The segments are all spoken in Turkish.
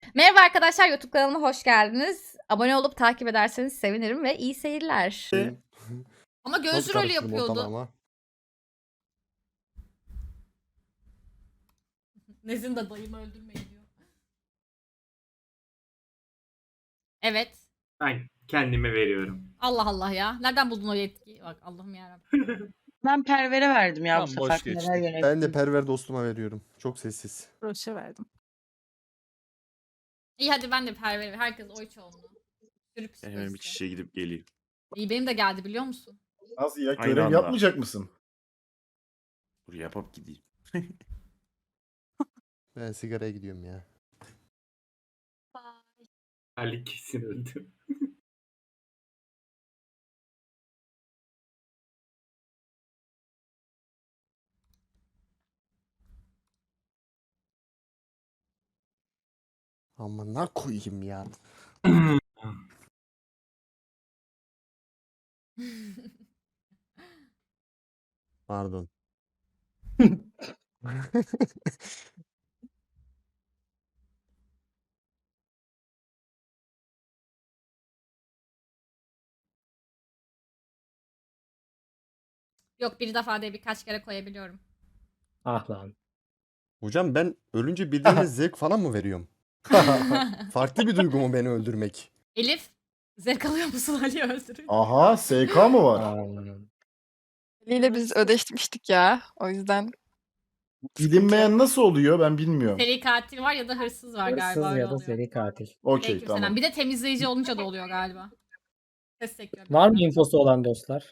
Merhaba arkadaşlar, YouTube kanalıma hoş geldiniz. Abone olup takip ederseniz sevinirim ve iyi seyirler. Ama Nasıl gözcü rolü karıştırdım ortalığı yapıyordu. ama? Nezin de dayımı öldürmeyin diyor. Evet. Ben kendime veriyorum. Allah Allah ya. Nereden buldun o yetkiyi? Bak Allah'ım yarabbim. Ben Perver'e verdim ya bu Tam boş sefer. geçtim. Neler Ben de yönettim. perver dostuma veriyorum. Çok sessiz. Roş'a verdim. İyi hadi ben de perveri. Herkes oy çoğunluğu. Sürü Hemen bir psikolojisi. kişiye gidip geliyor. İyi benim de geldi biliyor musun? Nasıl ya? Aynı Görev anda. yapmayacak mısın? Dur yapıp gideyim. Ben sigaraya gidiyorum ya. Ali kesin öldü. Amına koyayım ya. Pardon. Yok bir defa değil birkaç kere koyabiliyorum. Ah lan. Hocam ben ölünce bildiğiniz zevk falan mı veriyorum? Farklı bir duygu mu beni öldürmek? Elif zevk alıyor musun Ali'yi öldürünce? Aha, SK mı var? Aa, Ali'yle biz ödeşmiştik ya. O yüzden Bilinmeyen nasıl oluyor ben bilmiyorum. Seri katil var ya da hırsız var galiba hırsız öyle ya da oluyor. seri katil. Okey Aleykümselam. tamam. Bir de temizleyici olunca da oluyor galiba. Ses sektörü. Var mı infosu olan dostlar?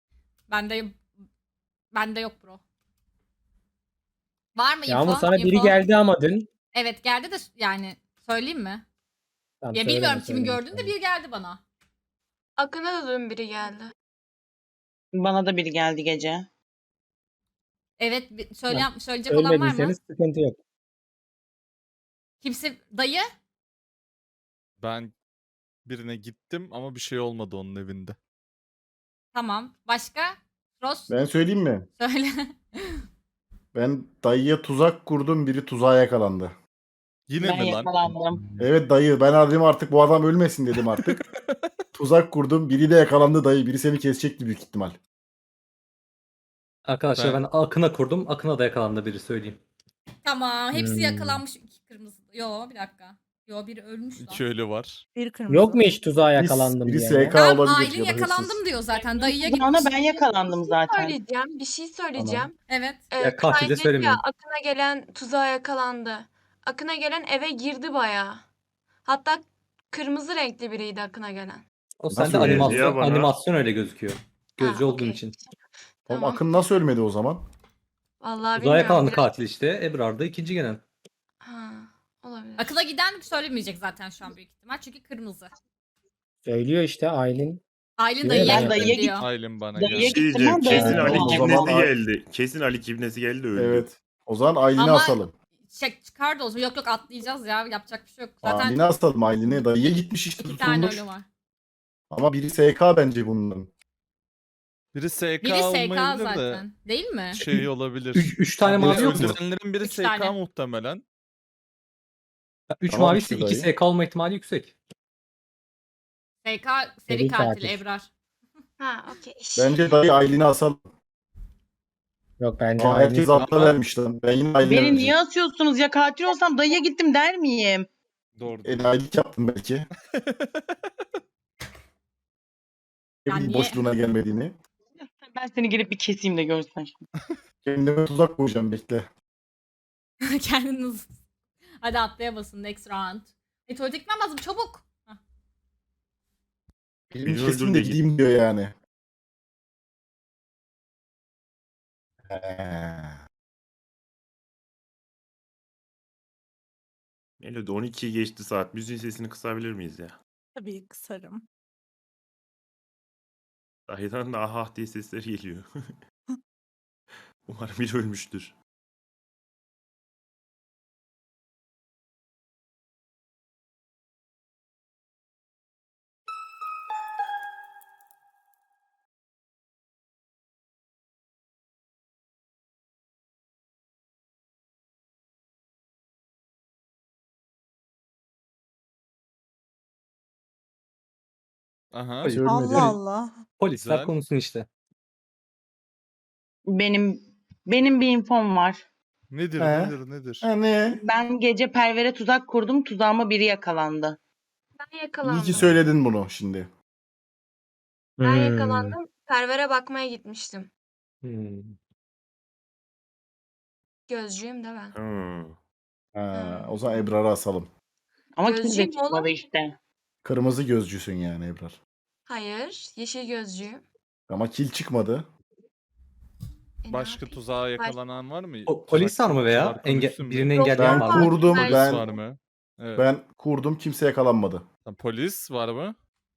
Bende yok bro. Var mı info? Yağmur sana biri Info? geldi ama dün. Evet geldi de yani söyleyeyim mi? Tamam, Ya söyleme, bilmiyorum kimin söyleme, gördüğünü de söyleme. bir geldi bana. Akın'a da dün biri geldi. Bana da biri geldi gece. Evet söyleyecek olan var mı? Ölmediyseniz sıkıntı yok. Kimse dayı? Ben birine gittim ama bir şey olmadı onun evinde. Tamam. Başka? Ross Ben söyleyeyim mi? söyle. Ben dayıya tuzak kurdum, biri tuzağa yakalandı. Yine Ben mi lan? yakalandım. Evet dayı, ben dedim artık bu adam ölmesin dedim artık. Tuzak kurdum, biri de yakalandı dayı. Biri seni kesecekti büyük ihtimal. Arkadaşlar Ben- ben Akın'a kurdum. Akın'a da yakalandı biri söyleyeyim. Tamam. Hepsi Hmm. yakalanmış. İki kırmızı. Yo bir dakika. Yo biri ölmüş lan. İki ölü var. bir kırmızı. Yok mu hiç tuzağa yakalandım biri diye? SK Tamam olabilir Aylin ya da yakalandım hırsız. diyor zaten. Dayıya Bana gitmiş. ben yakalandım zaten. Bir şey söyleyeceğim. Evet. Ya katil de Kaan dedi söylemiyorum. ya, Akın'a gelen tuzağa yakalandı. Akın'a gelen eve girdi bayağı. Hatta kırmızı renkli biriydi Akın'a gelen. O Nasıl sende öyle animasyon, ya bana? animasyon öyle gözüküyor. Gözcü Ha, olduğun okey. için. Oğlum Tamam. Akın nasıl ölmedi o zaman? Vallahi Tuzağa bilmiyorum. yakalandı katil işte. Ebrar da ikinci gelen. Ha, olabilir. Akıla giden söylemeyecek zaten şu an büyük ihtimal. Çünkü kırmızı. Söylüyor işte Aylin. Aylin Ben dayıya gittim dayıya diyor. Aylin bana Dayıya geldi. Şey gittim diyeceğim, ben kesin dayıya Ali O gittim. zaman Kibnesi Ay- geldi. Kesin Ali Kibnesi geldi öldü. Evet. O zaman Aylin'i Ama- asalım. Çıkardı olsun. Yok atlayacağız ya. Yapacak bir şey yok. Zaten Aylin'i asalım Aylin'i. Dayıya gitmiş işte iki tane tutulmuş. ölü var. Ama biri SK bence bunların. Biri SK Biri SK olmayabilir de zaten. Değil mi? şey olabilir. Üç tane mavi yok mu? Öldürenlerin biri Üç SK tane. muhtemelen. 3 Tamam mavi işte ise 2 dayı. SK olma ihtimali yüksek. SK Seri seri katil katil. Ebrar. Ha, okey. Bence dayı Aylin'i asalım. Yok bence Ama herkes Aylin. atla vermiş lan. Ben yine Aylin'e Beni vereceğim. niye asıyorsunuz ya? Katil olsam dayıya gittim der miyim? Doğru. Enayilik yaptım belki. Ne Ya bileyim niye? boşluğuna gelmediğini. Ben seni gelip bir keseyim de görsen şimdi. Kendime tuzak koyacağım bekle. Kendiniz. Hadi atlaya basın next round. Tuvalete gitmem lazım çabuk. Hah. Benim Beni kesin öldür de de git. gideyim diyor yani. Melodi 12'yi geçti saat. Müziğin sesini kısabilir miyiz ya? Tabii kısarım. Dahiden de ah diye sesler geliyor. Umarım biri ölmüştür. Aha. Polis. Ölmedi. Allah Allah. Polisler Güzel. konuşsun işte. Benim bir infom var. Nedir He? nedir? Ha, ne? Ben gece Perver'e tuzak kurdum. Tuzağıma biri yakalandı. Ben İyi yakalandım. ki söyledin bunu şimdi. Ben yakalandım. Perver'e bakmaya gitmiştim. Hmm. Gözcüyüm de ben. Ha, o zaman Ebrar'ı asalım. Ama kimse Gözcüyüm çıkmadı oğlum. işte. Kırmızı gözcüsün yani Ebrar. Hayır. Yeşil gözcüyüm. Ama kil çıkmadı. Ne Başka yapayım? tuzağa yakalanan var mı? Polis var mı veya Tuzak konuşsun mu? birini Yok, engelleyen yok. var Ben mı? kurdum. Polis Polis Ben var mı? Evet. ben kurdum, kimse yakalanmadı. Tamam, polis var mı?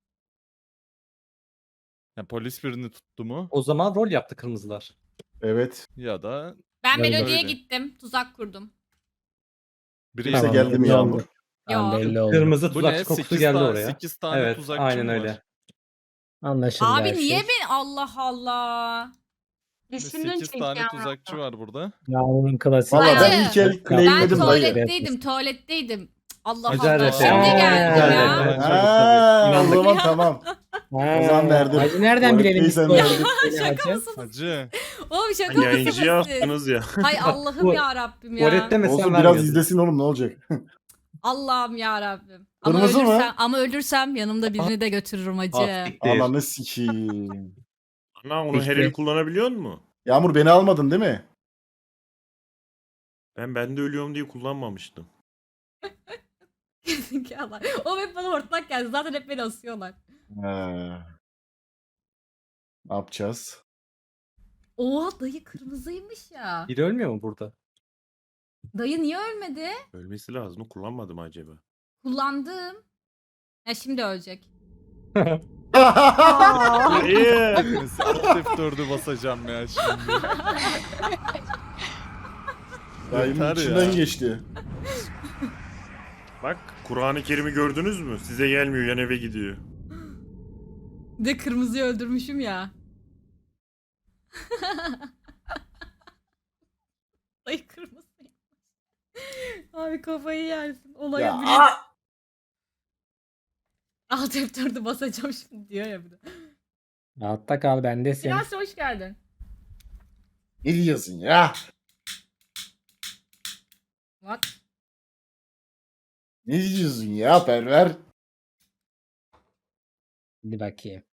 Ya polis birini tuttu mu? O zaman rol yaptı kırmızılar. Evet. Ya da Ben Öyle. Melodi'ye Öyle. gittim. Tuzak kurdum. biri Kimse Tamam, geldi mi belli Yağmur? oldu. Yo. Belli oldu. Kırmızı bu tuzakçı ne? kokusu 8 geldi tane, oraya. 8 tane Evet, tuzakçı aynen mı var? öyle. Anlaşıldı Abi her niye şey. ben Allah Allah. Düşündün 8 çünkü tane ya. tuzakçı var burada. Yağmur'un klasiği. Valla ben Hayır. ilk el Ben claimledim dayı. tuvaletteydim. Cık, Allah Acar Allah. rap Şimdi ya. geldim Acar ya. rap, evet. Ha, o İnandık. zaman tamam. O zaman verdim. Hacı nereden bilelim biz Tuvaletteysen bu verdim. Şaka Hacı? mısınız? Hacı. Oğlum şaka Yayıncıya mısınız siz? attınız ya. Hay Allah'ım Bu- ya Rabbim ya. Tuvalet demesen Olsun biraz vermiyordun. izlesin oğlum, ne olacak? Allah'ım ya Rabbim. Ama Kırmızı mı? ölürsem yanımda birini de götürürüm hacı. Ah, siktir. Ananı sikeyim. Ana onu her Peki. el kullanabiliyor mu? Yağmur beni almadın değil mi? Ben de ölüyorum diye kullanmamıştım. Gerizekalılar. Oğlum hep bana hortlak geldi. Zaten hep beni asıyorlar. Ha. Ne yapacağız? Oha dayı kırmızıymış ya. Biri ölmüyor mu burada? Dayı niye ölmedi? Ölmesi lazım. Kullanmadım acaba. Kullandım. Ya şimdi ölecek. Hayır. Neyse, Alt F4'ü basacağım ya şimdi. Dayımın Yeter içinden ya. geçti. Bak Kur'an-ı Kerim'i gördünüz mü? Size gelmiyor, yan eve gidiyor. De kırmızıyı öldürmüşüm ya. Dayı kırmızı. Abi kafayı yersin. Olaya Ya, bile. Alt F4'ü basacağım şimdi diyor ya bir de. Rahatta kal, bendesin. Biraz hoş geldin. Ne diyorsun ya? Bak. Ne diyorsun ya Perver? Hadi bakayım.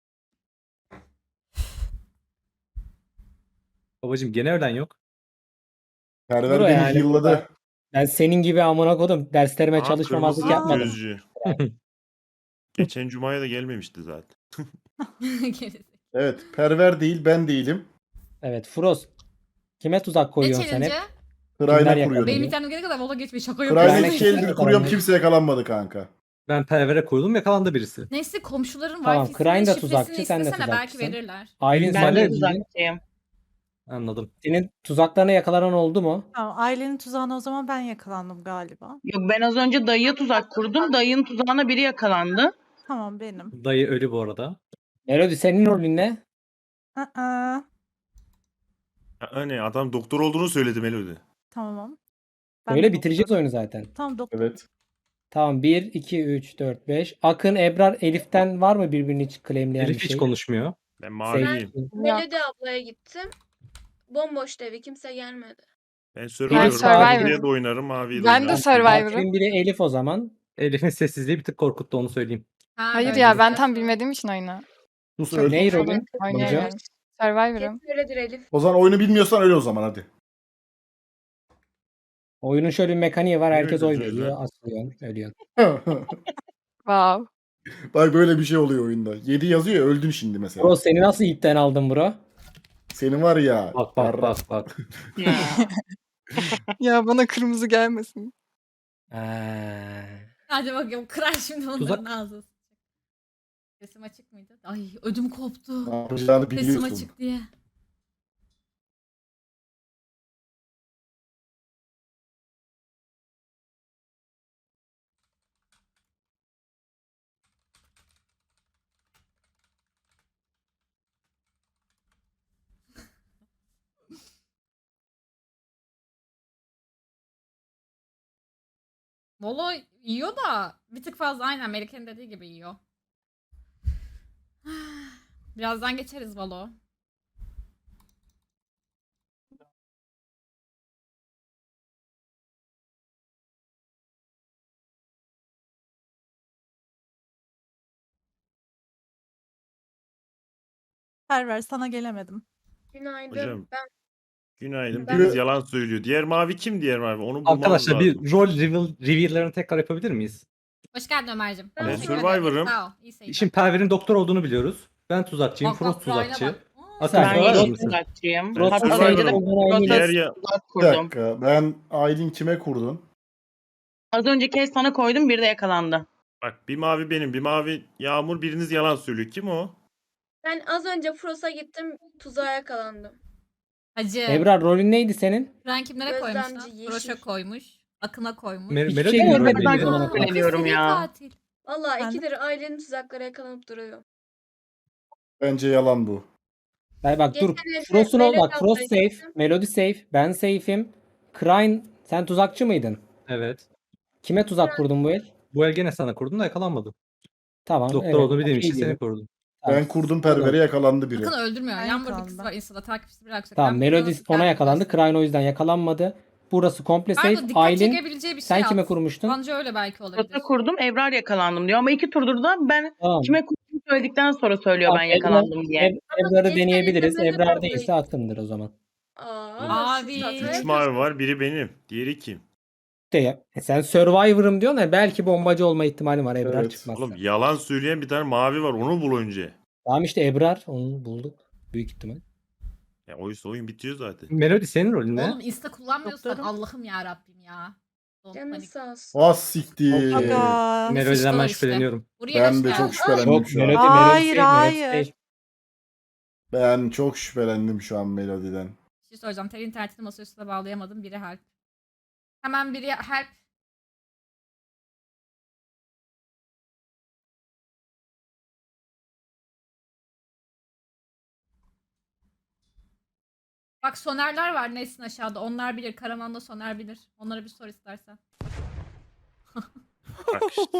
Babacım gene ölen yok. Perver Bro beni yani yılladı. Ben senin gibi amına kodum. Derslerime Aa, çalışmamazlık kırmızı yapmadım. gözcü. Geçen cumaya da gelmemişti zaten. Gerizekalı. Evet, Perver değil, ben değilim. Evet Frost. Kime tuzak Ne koyuyorsun sen hep? challenge'ı? Sırayla Kimler kuruyordum. Benim yakalanıyor? internet gelene kadar mola geçmeyi şaka Sırayla yapıyorum. Ben- iki eldir Ben- kuruyorum, Ben- kimse yakalanmadı kanka. Ben pervere koydum, yakalandı birisi. Neyse komşuların Tamam, wifi'sinin Krayn da şifresini tuzakçı, sen de istesene belki tuzakçısın. verirler. Aylin Ben sen de de tuzakçıyım. Anladım. senin tuzaklarına yakalanan oldu mu? Tamam, ailenin tuzağına o zaman ben yakalandım galiba. Yok ben az önce dayıya tuzak kurdum. Dayının tuzağına biri yakalandı. Tamam benim. Dayı ölü bu arada. Melody senin rolün ne? Aa, Hani adam doktor olduğunu söyledi Melody. tamam. Öyle bitireceğiz oyunu zaten. Tamam doktor. Evet. Tamam 1, 2, 3, 4, 5. Akın, Ebrar, Elif'ten var mı birbirini hiç claimleyen Elif bir hiç şey? konuşmuyor. Ben maviyim. Melody ablaya gittim. Bomboştu evi. Kimse gelmedi. Ben Ben Survivor'ım. Survivor. Maviye de oynarım, maviye de Ben de oynarım. Survivor'ım. Katilin biri Elif o zaman. Elif'in sessizliği bir tık korkuttu, onu söyleyeyim. Ha, Hayır öyle ya, ben güzel. tam bilmediğim için oyunu. Sus Çok öl. Ney sorun rolün? oynayamıyorum. Survivor'ım. Kesin öyledir Elif. O zaman oyunu bilmiyorsan öyle o zaman hadi. Oyunun şöyle bir mekaniği var. Herkes Öyle, oy öyle. veriyor. Asılıyorsun. Ölüyorsun. Wow. Bak böyle bir şey oluyor oyunda. 7 yazıyor ya, öldün şimdi mesela. Bro seni nasıl ipten aldın bro? Senin var ya. Bak bak bak bak. Ya bana kırmızı gelmesin. Hadi bakayım kırar şimdi onların Tuzak- ağzı. Sesim açık mıydı? Ay ödüm koptu. Ne yapacağını Sesim biliyorsun. açık diye. Valla yiyor da bir tık fazla aynen Melike'nin dediği gibi yiyor. Birazdan geçeriz Valo. Perver sana gelemedim. Günaydın. Hocam. Günaydın. Ben- Biriniz yalan söylüyor. Diğer mavi kim diğer mavi? Onu bulmamız Arkadaşlar lazım. bir rol reveal'larını tekrar yapabilir miyiz? Hoş geldin Ömer'cim. Ben Teşekkür ederim. Survivor'ım. Sağ ol. İyi seyirler. Şimdi Perver'in doktor olduğunu biliyoruz. Ben tuzakçıyım. Bak, Frost Brian'a tuzakçı. bak. Akın Sen Ben söyler yeşil misin? tuzakçıyım. Ben Hatta Survivor'ım. az önce de Diğer proses ya... tuzak Bir kurdum. dakika. Ben Aylin kime kurdun? Az önce kes sana koydum, bir de yakalandı. Bak bir mavi benim, bir mavi Yağmur, biriniz yalan söylüyor. Kim o? Ben az önce Frost'a gittim, tuzağa yakalandım. Hacı. Ebrar rolün neydi senin? Frank kimlere koymuş lan? Gözlemci, yeşil. Broş'a koymuş. Akın'a koymuş. Melody Hiçbir şey mi görmedim rolü ben neydi? zamana kadar. Söyleniyorum Seri ya. katil. Vallahi Ben de- ikidir ailenin tuzaklara yakalanıp duruyor. Bence yalan bu. Bak dur. Geçen evde Frost'un ol Melody bak. Frost ablayı safe. gittim. Melody safe. Ben safe'im. Crane sen tuzakçı mıydın? Evet. Kime tuzak kurdun bu el? Bu el gene sana kurdum da yakalanmadım. Tamam. Doktor evet, olduğunu bildiğim okey için seni diyelim. kurdum. Tamam. Ben kurdum Perver'e yakalandı biri. Akın öldürmüyor. Ben Yan bir yakalandım. kız var Insta'da takipçisi biraz yüksek. Tamam. Ben Melody biliyorum, ona sen yakalandı. biliyorsun. Crane o yüzden yakalanmadı. Burası komple Pardon, safe. dikkat Aylin çekebileceği bir şey sen kime at. kurmuştun? Bence öyle belki olabilir. Proses kurdum, Ebrar yakalandım diyor. Ama iki turdur da ben Tamam. kime kurduğumu söyledikten sonra söylüyor ben yakalandım diye. Ebrar'ı geçen deneyebiliriz. evde Melody Ebrar ablayı- değilse Akın'dır o zaman. Abi. siz hataya 3 mavi var, biri benim. Diğeri kim? De, sen Survivor'ım diyorsun ya belki bombacı olma ihtimali var Ebrar Evet. çıkmazsa. Oğlum yalan söyleyen bir tane mavi var, onu bul önce. Tamam işte Ebrar onu bulduk. Büyük ihtimal. Ya oyun bitiyor zaten. Melody senin rolün ne? Oğlum Insta kullanmıyorsan Doktorum. Allah'ım ya Rabbim ya. Don't Canın panik. sağ olsun. Ah siktir. Aga. Melody'den Sıçtı o ben işte. şüpheleniyorum. Buraya Ben hoş de geldin. çok şüphelendim Yok şu an. Melody Hayır, safe, hayır. safe. Ben çok şüphelendim şu an Melody'den. Bir şey soracağım. Tel internetini masaüstüne bağlayamadım. Biri help. Hemen biri help. Bak sonerler var Nesin aşağıda. Onlar bilir. Karaman'da soner bilir. Onlara bir sor istersen. Bak işte.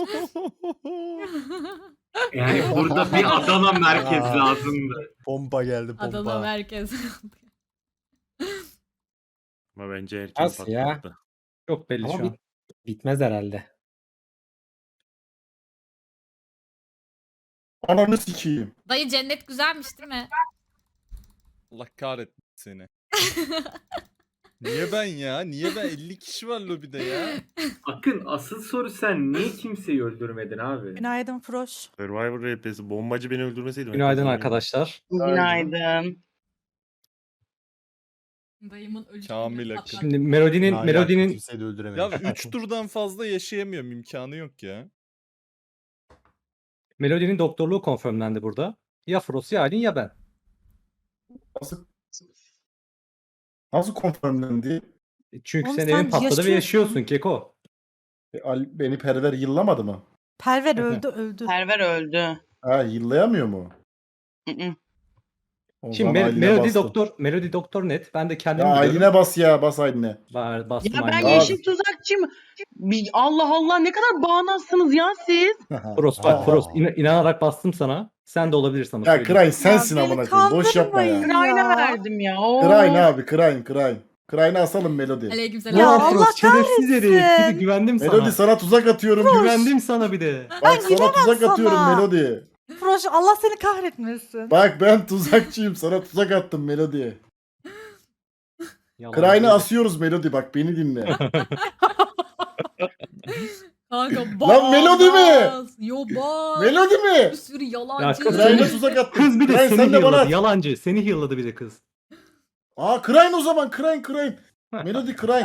Yani burada bir Adana merkez lazımdı. Pompa geldi pompa. Adana merkez. Ama bence erken Nasıl ya? patlattı. Çok belli Ama şu an. Bitmez herhalde. Ananı sikeyim. Dayı cennet güzelmiş değil mi? Allah kahretsin seni. Niye ben ya? Niye ben? 50 kişi var lobide ya. Akın asıl soru sen niye kimseyi öldürmedin abi? Günaydın Froş. Survivor RP'si. Bombacı beni öldürmeseydi. ben Günaydın kazanırdım. arkadaşlar. Günaydın. Dayımın ölü Kamil cennet Akın. patladı. Şimdi Melody'nin Kimseyi de öldüremedim. Ya 3 turdan fazla yaşayamıyorum. İmkanı yok ya. Melody'nin doktorluğu konfirmlendi burada. Ya Frost ya Aylin ya ben. Nasıl konfirmlendi? Çünkü Oğlum senin sen evin patladı ve yaşıyorsun. yaşıyorsun Keko. Beni Perver yıllamadı mı? Perver öldü. Perver öldü. Ha yıllayamıyor mu? Hı-hı. O Şimdi zaman Aylin'e bastım. Melody doktor net. Ben de Ya kendim biliyorum. Aylin'e bas ya, bas Aylin'e. Bastım Ya ben Aylin'e. yeşil tuzakçıyım. Allah Allah, ne kadar bağnazsınız ya siz. Frost bak Frost inanarak bastım sana. Sen de olabilirsin ama Ya söyleyeyim. Krayn sensin beni amına koyayım. Boş yapma ya. kandırmayın. Krayna Ya. verdim ya. Oo. Krayn abi, Krayn. Krayn'ı asalım Melody. Aleykümselam. Ya Ulan Allah Frost şerefsiz herif. Bir de kahretsin. güvendim sana. Melody sana tuzak atıyorum. Güvendim sana bir de. Bak sana tuzak sana. atıyorum Melody. Froş Allah seni kahretmesin. Bak ben tuzakçıyım. Sana tuzak attım Melody. Yalan Krayn'ı değil. asıyoruz Melody. Bak beni dinle. Kanka Lan Melody mi? bas. Yo bas. Melody mi? Bir sürü Ya yalancı. kız Krayn'a seni- tuzak attım. Kız bir de Krayn seni sen de bana healadı. at. Yalancı. Seni healadı bir de kız. Aa Krayn o zaman. Krayn. Melody Krayn.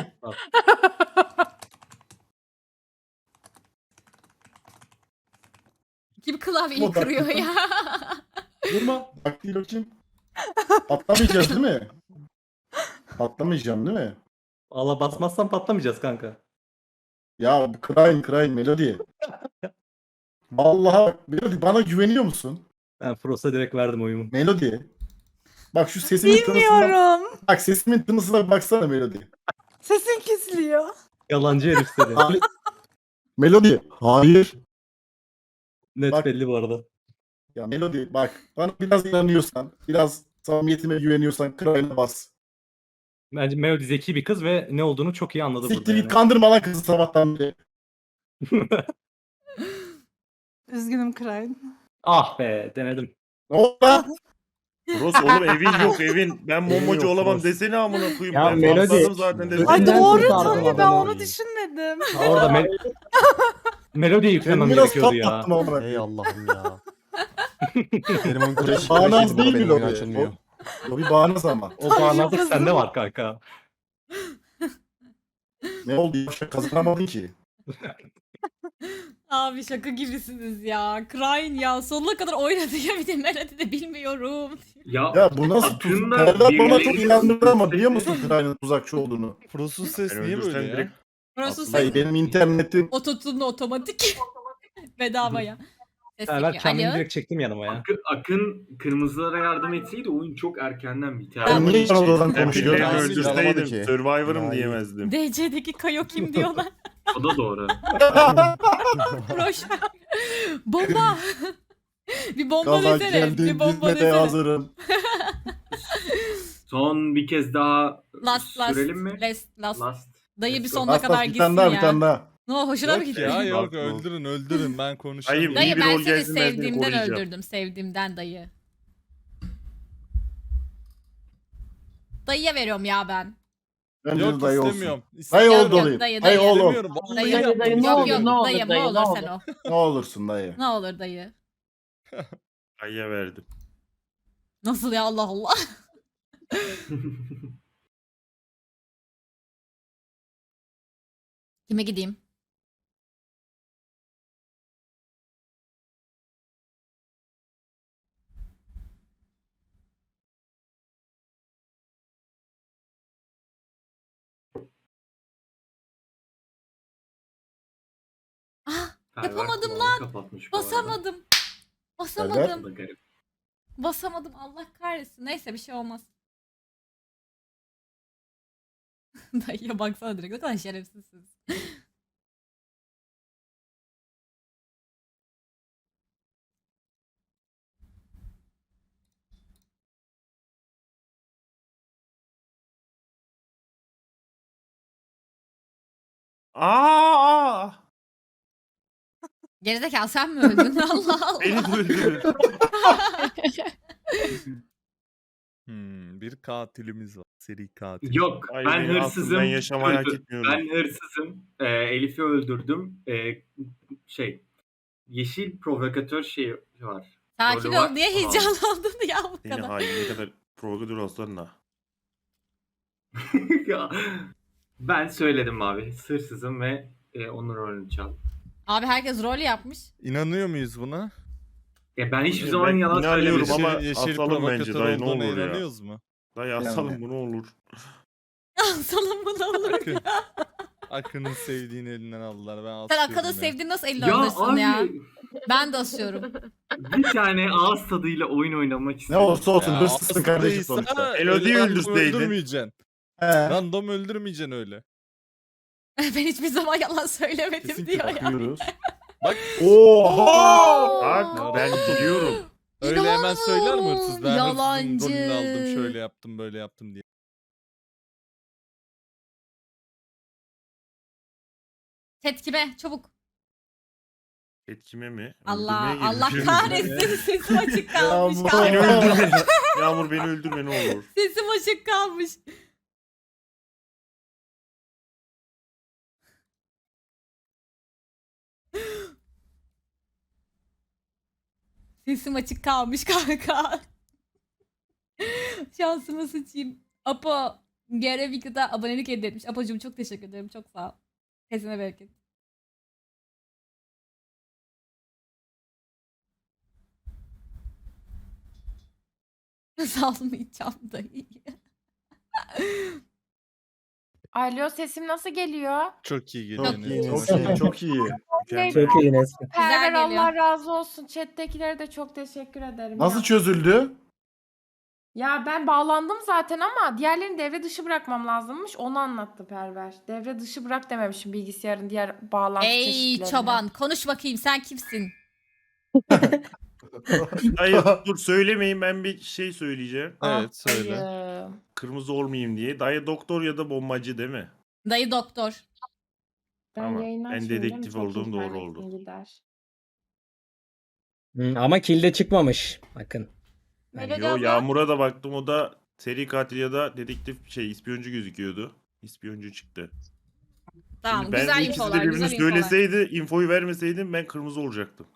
Kim klavyeyi Ama bak- kırıyor ya? Durma. Bak değil bakayım. Patlamayacağız değil mi? Patlamayacağım değil mi? Allah basmazsan patlamayacağız kanka. Ya Krayn Melody. Vallahi bak, Melody bana güveniyor musun? Ben Frost'a direkt verdim oyumu. Melody. Bak şu sesimin tınısına. Bilmiyorum. Bak sesimin tınısına baksana Melody. Sesin kesiliyor. Yalancı herif seni. Hayır. Melody. Hayır. Net Bak- belli bu arada. Ya Melody bak bana biraz inanıyorsan, biraz samimiyetime güveniyorsan Kray'la bas. Bence Melody zeki bir kız ve ne olduğunu çok iyi anladı burada. Siktir git yani. kandırma lan kızı sabahtan beri. Üzgünüm Krayn. Ah be denedim. Ne oldu lan? Bros oğlum evin yok evin. Ben Evin bombacı yok, olamam Bros. desene amına koyayım. Ya Ben Melody- patladım zaten dedim. Ay Elinden doğru kurtardım tabii ben adamı. onu düşünmedim. Orada Melody'ye yüklemem Ben biraz gerekiyordu ya. patlattım amına Ey koyayım. Allah'ım ya. Benim oyun crash Bağnaz crash değil benim mi oyun Lobi? açılmıyor. O bir bağnaz ama. O bağlantı sende var kanka. Ne oldu? Yavşak kazanamadın ki. Abi şaka gibisiniz ya. Krayn ya sonuna kadar oynadı ya bir de Melody de bilmiyorum. Ya bu nasıl tuz? Aklında Serdar bana birileri- çok inandırdı ama biliyor musun Kray'ın tuzakçı olduğunu? Frost'un ses Ben niye öldürsem böyle ya? direkt Burası Hayır benim internetim ototune otomatik. Bedavaya. Ses Ben yapıyor. kendimi Alo. direkt çektim yanıma ya. Akın kırmızılara yardım etseydi oyun çok erkenden biter. Ben niye yan odadan ben konuşuyorum? birilerini Alamadı öldürseydim ki. Survivor'ım Daha iyi. diyemezdim. DC'deki Kayo kim diyorlar. O da doğru. Boş ver. Bomba. Bir bomba Gaza desene. geldim Bir bomba gitmeye desene. hazırım. Son bir kez daha Last sürelim mi? Last. Last. Dayı bir Let's sonuna Bas kadar bas bir gitsin tane daha ya. bir tane daha. Ne hoşuna mı Yok gitti? ya yok Bak, öldürün ben konuşamıyorum. Hayır, Dayı İyi bir ben rol seni gelsin, ben seni sevdiğimden koruyacağım. öldürdüm. Sevdiğimden dayı. Dayıya veriyorum ya ben. Bence Yok de dayı olsun. istemiyorum. Dayı İstemiyorum. oldu olayım. dayı, Dayı dayı. ol ol. İstemiyorum. Vallahi Dayı, yaptım. dayı, ne Yok olur, yok ne olur dayım dayı, ne ne olur olur. sen o. Ne olursun dayı. Ne olur dayı. Ay'a verdim. Nasıl ya Allah Allah. Kime gideyim? Ah, yapamadım Perver lan. kapatmış bu arada. Basamadım. Bu Basamadım. da garip. Basamadım. Allah kahretsin. Neyse bir şey olmaz. Dayıya baksana direkt. Ne kadar şerefsizsiniz. Aa! Gerizekalı sen mi öldün? Allah Allah. Beni öldürün. Bir katilimiz var. Seri katil. Yok Ay, ben beni hırsızım. aklımdan yaşamayı hak öldü- etmiyorum. Ben hırsızım. Elif'i öldürdüm. Yeşil provokatör şeyi var. Sakin Rolü var. ol. Niye Tamam. heyecanlandın ya bu Yine kadar? hain ne kadar provokatör olsan da. Ya, ben söyledim abi. Hırsızım ve onun rolünü çaldım. Abi herkes rol yapmış. İnanıyor muyuz buna? Ben hiçbir Ben zaman yalan inanıyorum söylemedim. ama Yeşil asalım bence provokatör dayı ne olduğuna olur ya. inanıyoruz mu? Dayı asalım bu ne olur. Salın bunu olur. Akın. Akın'ın sevdiğini elinden aldılar. Ben Sen asıyorum Akad'ı ya. sevdiğini nasıl eline Ya alırsın abi ya? Ben de asıyorum. bir tane ağız tadıyla oyun oynamak Ne istiyorum. olursa olsun Ya hırsızsın kardeşim aslıysa sonuçta. Elodie'yi random öldürseydin. öldürmeyeceksin. He. Random öldürmeyeceksin öyle. Ben hiçbir zaman yalan söylemedim Kesin diyor ya. Bakıyoruz. Bak Oha! Bak ben biliyorum. öyle hemen söyler mi hırsız? Ben hırsızın Yalancı. rolünü aldım şöyle yaptım böyle yaptım diye. Chat kime? Çabuk. Etkime mi? Allah Öldürmeye Allah geliyor. kahretsin. Sesim açık kalmış. Yağmur. Beni kalmış. öldürme. Yağmur beni öldürme ne olur. Sesim açık kalmış. Sesim açık kalmış kanka. Şansımı sıçayım. Apo Gerevica'da abonelik hediye etmiş. Apocuğum çok teşekkür ederim. Çok sağ ol. Kesine bereket. Salmayacağım dayı. Alo sesim nasıl geliyor? Çok iyi geliyor. Çok Enes. iyi. Çok iyi, çok iyi. Mükemmel. Çok iyi Nesli. Güzel Perver geliyor. Allah razı olsun. Chat'tekilere de çok teşekkür ederim. Nasıl ya. çözüldü? Ya ben bağlandım zaten ama diğerlerini devre dışı bırakmam lazımmış. Onu anlattı Perver. Devre dışı bırak dememişim bilgisayarın diğer bağlantı Ey çeşitlerini. çoban konuş bakayım sen kimsin? Hayır dur söylemeyin, ben bir şey söyleyeceğim. Evet söyle. Dayı. Kırmızı olmayayım diye. Dayı doktor ya da bombacı değil mi? Dayı doktor. Ben Tamam, yayını ben açmayayım, değil mi? dedektif Çok olduğum doğru internetin oldu. gider. Ama kilde çıkmamış. Bakın. Melodi Yo, abla. Yağmur'a da baktım, o da seri katil ya da dedektif ispiyoncu gözüküyordu. İspiyoncu çıktı. Tamam Şimdi ben güzel ikisi de infolar birbirini güzel infolar. söyleseydi, infoyu vermeseydim ben kırmızı olacaktım.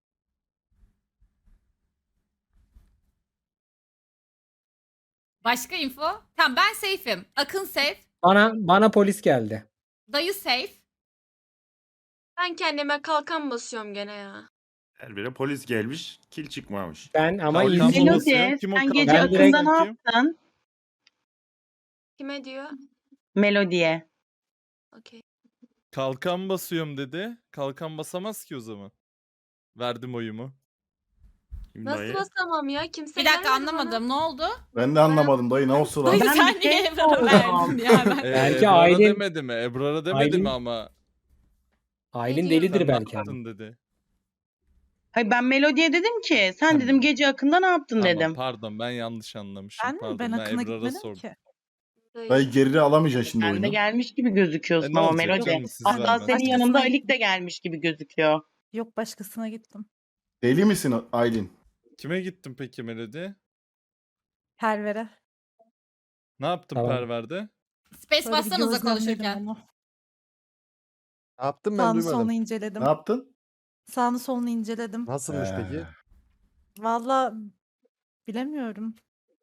Başka info? Tamam ben safe'im. Akın safe. Bana polis geldi. Dayı safe. Ben kendime kalkan basıyorum gene ya. Her bire polis gelmiş, kil çıkmamış. Ben ama Kalkan izin babası. Melodi Kim o sen kalkan gece Ben direkt- Akın'da ne Kim? yaptın? Kime diyor? Melodiye. Okey. Kalkan basıyorum dedi. Kalkan basamaz ki o zaman. Verdim oyumu. Şimdi Nasıl dayı- basamam ya? Kimse Bir dakika gelmedi bana. anlamadım. Ne oldu? Ben de anlamadım dayı, ne olsun lan. Dayı Ben sen bir niye şey Ebrar'a sordum. verdin ya? Ben... Belki Ebrar'a Aylin- demedi mi? Ebrar'a demedi Aylin- mi ama? Aylin Ne delidir Sen ne belki. yaptın dedi. Hayır ben Melodiye dedim ki sen dedim gece Akın'da ne yaptın Tamam, dedim. pardon ben yanlış anlamışım. Ben mi? Pardon, Ben Akın'a Ebrar'a gitmedim sordum. ki. Dayı geri alamayacaksın şimdi Sen de oyunu. gelmiş gibi gözüküyorsun Ne ama olacak Melodi. canım, siz Hatta vermez. senin yanında Başkasına- Alik de gelmiş gibi gözüküyor. Yok başkasına gittim. Deli misin Aylin? Kime gittin peki Melodi? Perver'e. Ne yaptın Tamam. Perver'de? Space Böyle bir bassanıza gözlemledim konuşurken. onu. Ne yaptım ben Sağını duymadım. solunu inceledim. Ne yaptın? Sağını solunu inceledim. Nasılmış peki? Valla bilemiyorum.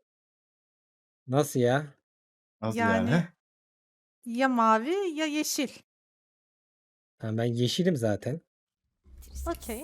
Nasıl ya? Nasıl Yani- yani? Ya mavi ya yeşil. Ha, ben yeşilim zaten. Okey.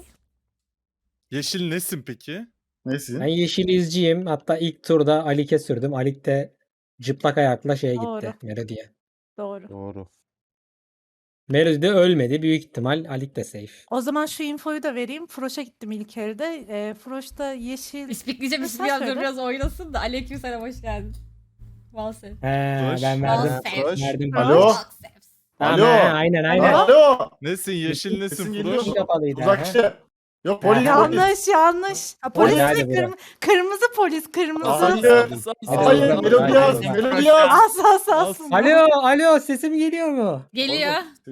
Yeşil nesin peki? Nesin? Ben yeşil izciyim. Hatta ilk turda Alik'e sürdüm. Alik de cıplak ayakla şeye Doğru. gitti. Melodi'ye. Doğru. Doğru. Melodi de ölmedi. Büyük ihtimal Alik de safe. O zaman şu infoyu da vereyim. Froş'a gittim ilk elde. Froş'ta yeşil. İspikleyeceğim Sen biraz söyle. biraz oynasın da. Aleykümselam hoş geldin. Valse. He, ben ben verdim. verdim. Verdim. Alo? Tamam, Alo? he, aynen aynen. Alo? Nesin yeşil nesin Sesin Froş? geliyor mu? Kapalıydı. he. Tuzakçı. Yok Ha, polis polis. Yanlış yanlış. Ha, polis Hadi, mi? hadi bırak. Kırmızı polis kırmızı. Hayır. Hadi Hayır. bırak, Melodi bırak, yaz. bırak. Melodi yaz. As. Alo sesim geliyor mu? Geliyor.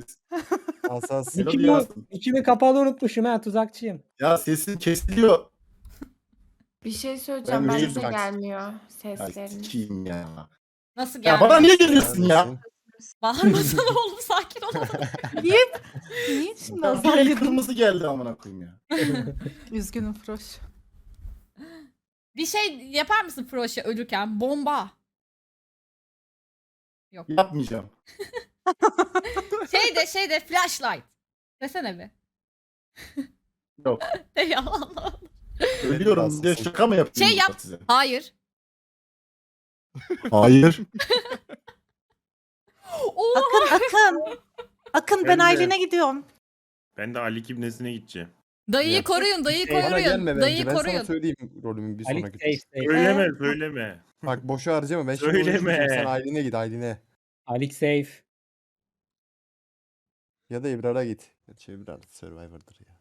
Asas. Melodi İçimi, yazsın. içimi kapalı unutmuşum ha, tuzakçıyım. Ya sesin kesiliyor. Bir şey söyleyeceğim. Ben Bence üzüldüm. gelmiyor Ya sesleriniz. sikiyim ya. Nasıl Ya geldi? bana niye geliyorsun ya? Neredesin? Bağırmasana oğlum sakin ol. Niye şimdi Ya azar bir el yedim? kırmızı geldi amına koyayım ya. Üzgünüm Froş. Bir şey yapar mısın Froş'a ölürken? Bomba. Yok. Yapmayacağım. Şeyde flashlight. Desene bir. Yok. De ya Allah. Ölüyorum diye şaka mı yapayım Şey yap. size? Hayır. Hayır. Oha. Akın ben Ben de. Aylin'e gidiyorum. Ben de Ali Kibnesi'ne gideceğim. Dayıyı Ya. koruyun, dayıyı Şey, Bana koruyun. gelme bence. Dayıyı Ben sana koruyun. söyleyeyim rolümün bir Alik sonraki. safe safe. Söyleme söyleme. Bak boşa harcama. Ben şimdi Söyleme. konuşmayacağım. Sen Aylin'e git Aylin'e. Alik safe. Ya da Ebrar'a git. Gerçi Ebrar Survivor'dır ya.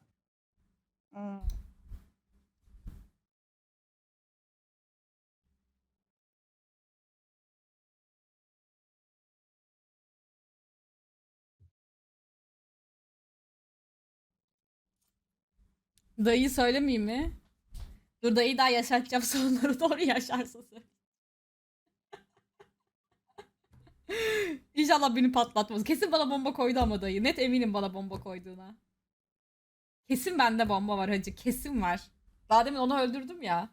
Dayıyı söylemeyeyim mi? Dur dayıyı daha yaşatacağım sonları doğru yaşarsa söyle. İnşallah beni patlatmaz. Kesin bana bomba koydu ama dayı. Net eminim bana bomba koyduğuna. Kesin bende bomba var hacı. Kesin var. Daha demin onu öldürdüm ya.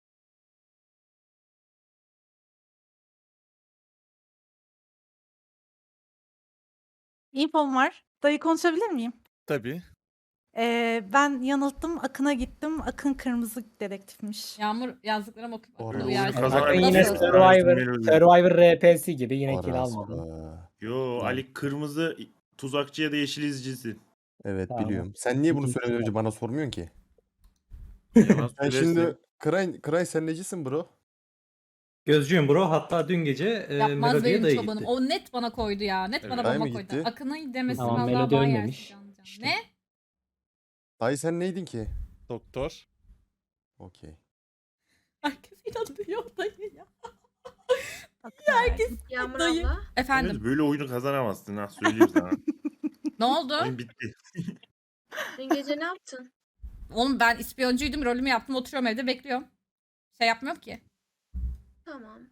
İnfom var. Dayı konuşabilir miyim? Tabii. Ben yanılttım. Akın'a gittim. Akın kırmızı dedektifmiş. Yağmur yazdıklarım okuyup Doğru. akıllı Doğru. uyarsa. Kazan- Bakın Nasıl? yine Nasıl? Survivor RP'si gibi yine kill Orası. almadım. Yo Ali kırmızı tuzakçı ya da yeşil izcisi. Evet Tamam. biliyorum. Sen niye bunu İkinci söylemeden önce sıra. bana sormuyorsun ki? Yalan Sen söylersin. şimdi Kray sen necisin bro? Gözcüyüm bro. Hatta dün gece Yapmaz Melody'ye benim dayı çobanım. gitti. O net bana koydu ya. Net Evet. bana Dayı bomba mı koydu. gitti? Akın'ın demesi Tamam, vallahi Melodi bana ölmemiş. yersin canım. İşte. Ne? Dayı sen neydin ki? Doktor. Okey. Herkes inanıyor dayı ya. Akın Herkes Yağmur dayı. abla. Efendim. Henüz böyle oyunu kazanamazsın ha söyleyeyim sana. Ne oldu? Oyun bitti. Dün gece ne yaptın? Oğlum ben ispiyoncuydum. Rolümü yaptım. Oturuyorum evde bekliyorum. Şey yapmıyorum ki. Tamam.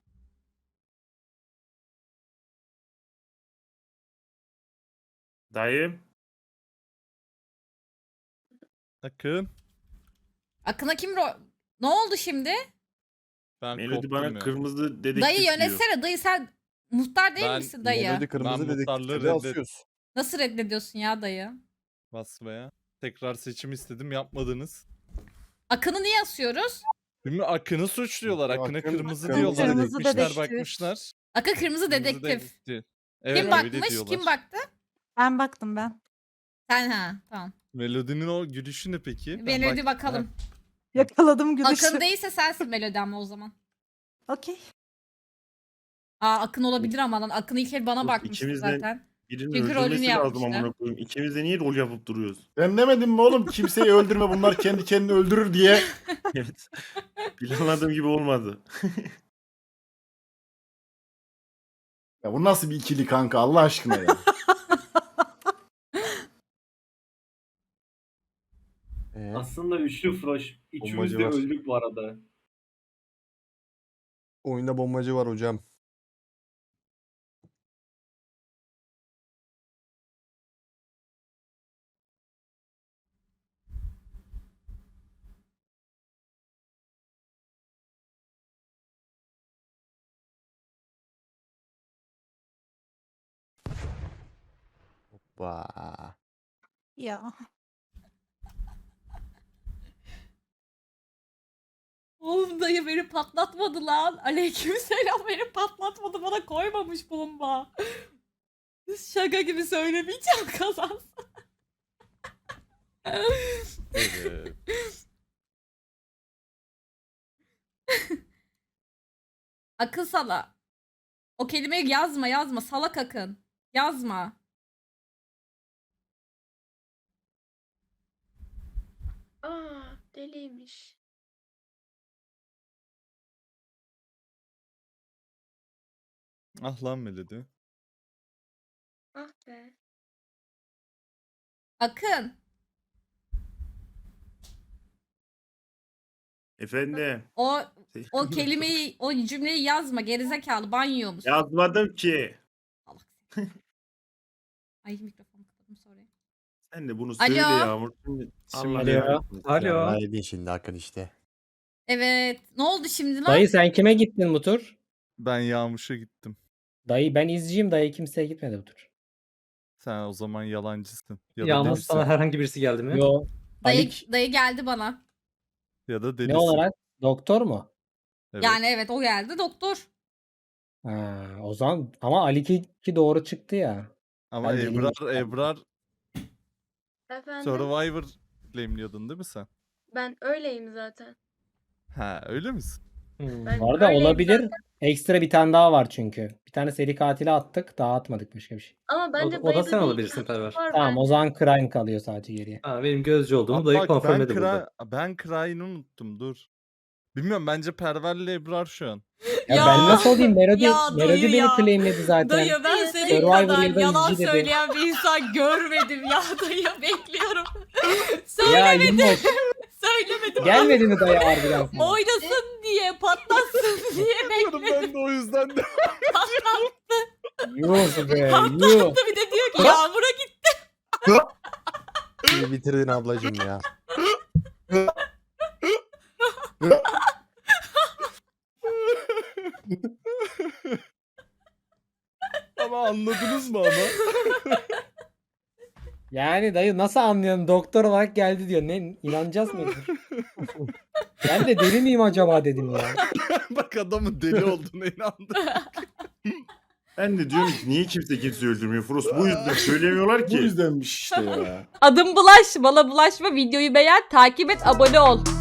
Dayım. Akın. Akın'a kim Ne oldu şimdi? Ben Melody koptum bana ya. kırmızı dedektif Dayı diyor. yönetsene. Dayı sen muhtar değil Ben- misin dayı? Melody kırmızı Ben muhtarlığı dedektifleri asıyoruz. Nasıl reddediyorsun ya dayı? Basmaya. Tekrar seçim istedim yapmadınız. Akın'ı niye asıyoruz? Şimdi Akın'ı suçluyorlar. Akın- Akın'a kırmızı Kırmızı diyorlar. dedektif. Gitmişler bakmışlar. Akın kırmızı Kırmızı dedektif. Evet, Kim öyle bakmış? diyorlar. Kim baktı? Ben baktım ben. Sen ha. Tamam. Melody'nin o gülüşü ne peki? Ben Melody bak- bakalım. Yakaladım gülüşü. Akın değilse sensin Melody ama o zaman. Okey. Aa Akın olabilir ama lan. Akın ilk el bana Yok, bakmıştı ikimizden- zaten. Birinin Çünkü rolünü öldürmesi lazım yapmışlar. amına koyayım. İkimiz de niye rol yapıp duruyoruz? Ben demedim mi oğlum kimseyi öldürme bunlar kendi kendini öldürür diye. Evet. Planladığım gibi olmadı. Ya bu nasıl bir ikili kanka Allah aşkına ya. Aslında üçlü Froş. Üçümüz de var. öldük bu arada. Oyunda bombacı var hocam. Hoppa. Ya. Oğlum dayı beni patlatmadı lan. Aleykümselam beni patlatmadı. Bana koymamış bomba. Şaka gibi söylemeyeceğim kazansın. Evet. Akın sala. O kelimeyi yazma. Salak Akın. Yazma. Aa, deliymiş. Ah lan Melody. Ah be. Akın. Efendim. O kelimeyi, o cümleyi yazma. Gerizekalı banyo musun? Yazmadım ki. Salak seni. Ay mikrofonu kapadım sorry. Sen de bunu Alo. söyle Yağmur. Şimdi Alo. kahretsin. Alo. Ya edin şimdi Akın işte. Evet. Ne oldu şimdi lan? Dayı sen kime gittin bu tur? Ben Yağmur'a gittim. Dayı ben izciyim, dayı kimseye gitmedi bu tur. Sen o zaman yalancısın. Ya da Yalnız delisin. sana herhangi birisi geldi mi? Yo. Dayı geldi bana. Ya da delisin. Ne olarak? Doktor mu? Evet. Yani evet o geldi doktor. Ha, o zaman ama Ali ki doğru çıktı ya. Ama Ben deliyim. Ebrar Efendim? Survivor claimliyordun değil mi sen? Ben öyleyim zaten. Ha öyle misin? Ben Bu arada öyleyim olabilir. zaten. Ekstra bir tane daha var çünkü. Bir tane seri katili attık. Daha atmadık başka bir şey. Ama bence O da dayıda sen bir olabilirsin ikisi Perver. var Tamam bence. o zaman Crime kalıyor sadece geriye. Ha, benim gözcü olduğumu Bak, dayı ben konfirmledi burada. Ben Cry'ını unuttum dur. Bilmiyorum bence Perver'le Ebrar şu an. Ya, Ya. ben nasıl olayım? Melody, Ya Melody dayı beni ya. claimledi zaten. Dayı ben senin Survivor kadar ya da yalan izci dedi. söyleyen bir insan görmedim ya dayı bekliyorum. Ya Söylemedim. Yunus, Söylemedim. gelmedi mi dayı harbiden sana? Oynasın diye patlatsın diye bekledim. Ben de o yüzden de. Yunus be, Yunus. Patlattı bir de diyor ki Yağmur'a git. İyi bitirdin ablacım ya. Ama anladınız mı ama? Yani dayı nasıl anlıyorum? Doktor olarak geldi diyor. Ne inanacağız mı? Ben de deli miyim acaba dedim ya. Bak adamın deli olduğuna inandım. Ben de diyorum ki niye kimse öldürmüyor Frost? Bu yüzden söylemiyorlar Bu ki. yüzdenmiş işte ya. Adım Bulaş. Bana bulaşma. Videoyu beğen. Takip et. Abone ol.